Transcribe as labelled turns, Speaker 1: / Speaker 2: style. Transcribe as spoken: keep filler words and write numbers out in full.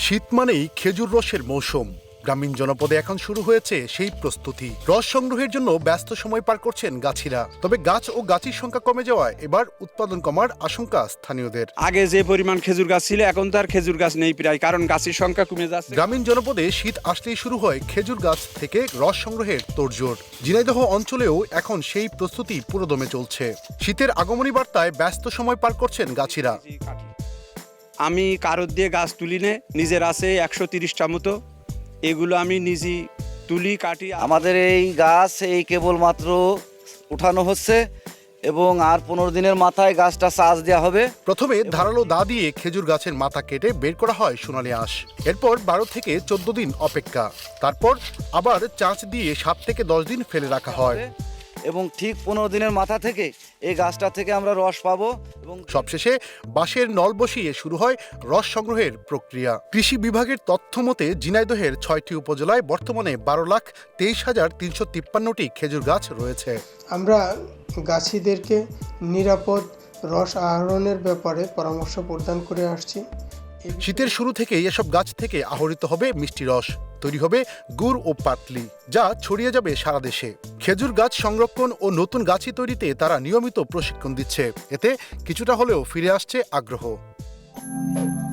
Speaker 1: শীত মানেই খেজুর রসের মৌসুম। গ্রামীণ জনপদে এখন শুরু হয়েছে সেই প্রস্তুতি। রস সংগ্রহের জন্য ব্যস্ত সময় পার করছেন গাছিরা। তবে গাছ ও গাছির সংখ্যা কমে যাওয়ায় এবার উৎপাদন কমার আশঙ্কা স্থানীয়দের।
Speaker 2: আগে যে পরিমাণ খেজুর গাছ ছিল এখন তো আর খেজুর গাছ নেই প্রায়, কারণ গাছের সংখ্যা কমে যাচ্ছে।
Speaker 1: গ্রামীণ জনপদে শীত আসলেই শুরু হয় খেজুর গাছ থেকে রস সংগ্রহের তোড়জোড়। ঝিনাইদহ অঞ্চলেও এখন সেই প্রস্তুতি পুরোদমে চলছে। শীতের আগমনী বার্তায় ব্যস্ত সময় পার করছেন গাছিরা।
Speaker 2: আমি কারোর দিয়ে গাছ তুলি নে, নিজের আছে একশো তিরিশটা মতো, এগুলো আমি নিজেই তুলি কাটি।
Speaker 3: আমাদের এই গাছ এই কেবলমাত্র উঠানো হচ্ছে এবং আর পনেরো দিনের মাথায় গাছটা চাষ দেওয়া হবে।
Speaker 1: প্রথমে ধারালো দা দিয়ে খেজুর গাছের মাথা কেটে বের করা হয় সোনালী আঁশ। এরপর বারো থেকে চোদ্দ দিন অপেক্ষা। তারপর আবার চাঁচ দিয়ে সাত থেকে দশ দিন ফেলে রাখা হয়
Speaker 3: এবং ঠিক পনেরো দিনের মাথা থেকে এই গাছটা থেকে আমরা রস পাবো। এবং
Speaker 1: সবশেষে বাঁশের নল বসিয়ে শুরু হয় রস সংগ্রহের প্রক্রিয়া। কৃষি বিভাগের তথ্য মতে ঝিনাইদহের ছয়টি উপজেলায় বর্তমানে বারো লাখ তেইশ হাজার তিনশো তিপ্পান্নটি খেজুর গাছ রয়েছে।
Speaker 4: আমরা গাছিদেরকে নিরাপদ রস আহরণের ব্যাপারে পরামর্শ প্রদান করে আসছি।
Speaker 1: শীতের শুরু থেকেই এসব গাছ থেকে আহরিত হবে মিষ্টি রস, তৈরি হবে গুড় ও পাটলি, যা ছড়িয়ে যাবে সারা দেশে। খেজুর গাছ সংরক্ষণ ও নতুন গাছি তৈরিতে তারা নিয়মিত প্রশিক্ষণ দিচ্ছে। এতে কিছুটা হলেও ফিরে আসছে আগ্রহ।